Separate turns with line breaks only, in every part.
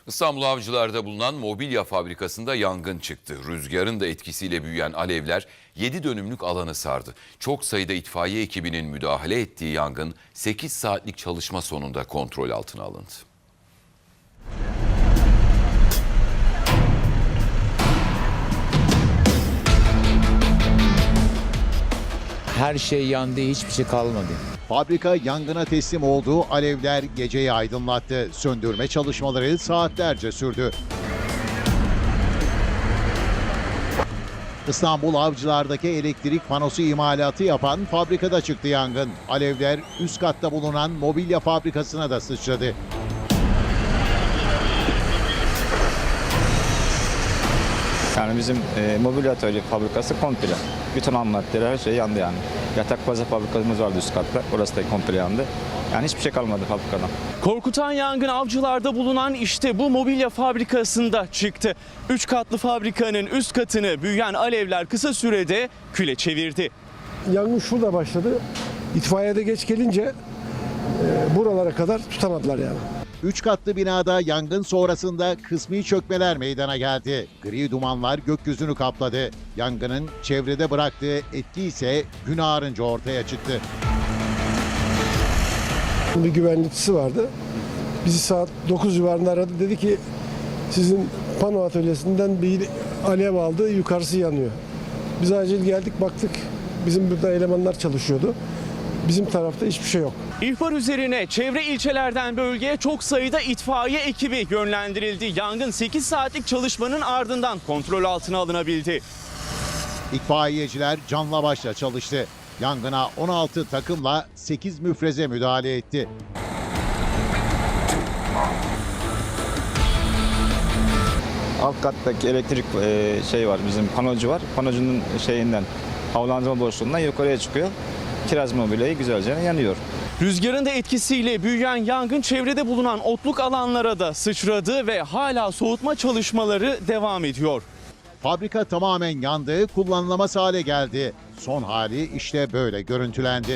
İstanbul Avcılar'da bulunan mobilya fabrikasında yangın çıktı. Rüzgarın da etkisiyle büyüyen alevler 7 dönümlük alanı sardı. Çok sayıda itfaiye ekibinin müdahale ettiği yangın 8 saatlik çalışma sonunda kontrol altına alındı.
Her şey yandı, hiçbir şey kalmadı.
Fabrika yangına teslim olduğu alevler geceyi aydınlattı. Söndürme çalışmaları saatlerce sürdü. İstanbul Avcılar'daki elektrik panosu imalatı yapan fabrikada çıktı yangın. Alevler üst katta bulunan mobilya fabrikasına da sıçradı.
Yani bizim mobilya atölye fabrikası komple. Bütün ham maddeler, her şey yandı yani. Yatak baza fabrikamız vardı üst katta. Orası da komple yandı. Yani hiçbir şey kalmadı fabrikadan.
Korkutan yangın Avcılar'da bulunan işte bu mobilya fabrikasında çıktı. 3 katlı fabrikanın üst katını büyüyen alevler kısa sürede küle çevirdi.
Yangın şurada başladı. İtfaiyede geç gelince buralara kadar tutamadılar yani.
3 katlı binada yangın sonrasında kısmi çökmeler meydana geldi. Gri dumanlar gökyüzünü kapladı. Yangının çevrede bıraktığı etki ise gün ağarınca ortaya çıktı.
Bir güvenlikçisi vardı. Bizi saat 9 civarında aradı. Dedi ki sizin pano atölyesinden bir alev aldı, yukarısı yanıyor. Biz acil geldik, baktık. Bizim burada elemanlar çalışıyordu. Bizim tarafta hiçbir şey yok.
İhbar üzerine çevre ilçelerden bölgeye çok sayıda itfaiye ekibi yönlendirildi. Yangın 8 saatlik çalışmanın ardından kontrol altına alınabildi.
İtfaiyeciler canla başla çalıştı. Yangına 16 takımla 8 müfreze müdahale etti.
Alt kattaki elektrik şey var, bizim panocu var. Panocunun şeyinden, havalandırma boşluğundan yukarıya çıkıyor. Kiraz mobilyayı güzelce yanıyor.
Rüzgarın da etkisiyle büyüyen yangın çevrede bulunan otluk alanlara da sıçradı ve hala soğutma çalışmaları devam ediyor.
Fabrika tamamen yandı, kullanılamaz hale geldi. Son hali işte böyle görüntülendi.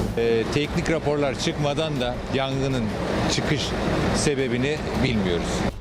Teknik raporlar çıkmadan da yangının çıkış sebebini bilmiyoruz.